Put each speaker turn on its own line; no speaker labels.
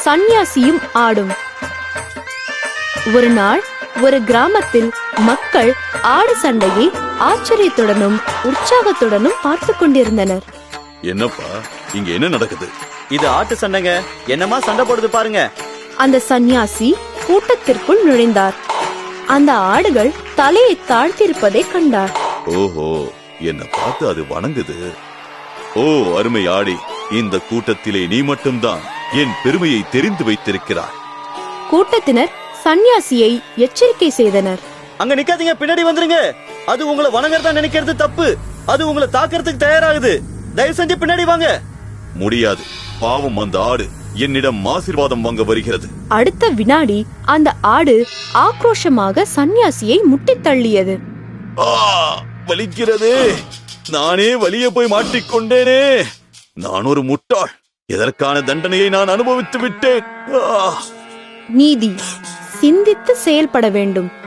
சந்நியாசியும் ஆடும். ஒரு நாள் ஒரு கிராமத்தில் மக்கள் ஆடு சண்டையை ஆச்சரியத்துடனும் உற்சாகத்துடனும் பார்த்து கொண்டிருந்தனர்.
என்னப்பா இங்க என்ன நடக்குது?
இது ஆட்டு சண்டைங்க. என்னமா சண்டை போடுது பாருங்க.
அந்த சந்நியாசி கூட்டத்திற்குள் நுழைந்தார். அந்த ஆடுகள் தலையை தாழ்த்திருப்பதை கண்டார்.
ஓஹோ, என்ன பார்த்து அது வணங்குது. ஓ அருமை ஆடி, இந்த கூட்டத்திலே நீ மட்டும்தான் என் பெருமையை தெரிந்து வைத்திருக்கிறாய்.
கூட்டத்தினர் சந்நியாசியை எச்சரிக்கை செய்தனர்.
அங்க நிக்காதீங்க, பின்னாடி வந்துருங்க. அது உங்களை வணங்குறதா நினைக்கிறது தப்பு. அது உங்களை தாக்குறதுக்கு தயாராகுது. தயவு செஞ்சு பின்னாடி வாங்க.
முடியாது, பாவம், அந்த ஆடு என்னிடம் ஆசீர்வாதம் வாங்க வருகிறது.
அடுத்த வினாடி அந்த ஆடு ஆக்ரோஷமாக சந்நியாசியை முட்டித் தள்ளியது.
வலிக்கிறது. நானே வலிய போய் மாட்டிக்கொண்டேனே. நான் ஒரு முட்டாள். எதற்கான தண்டனையை நான் அனுபவித்து விட்டேன்.
நீதி, சிந்தித்து செயல்பட வேண்டும்.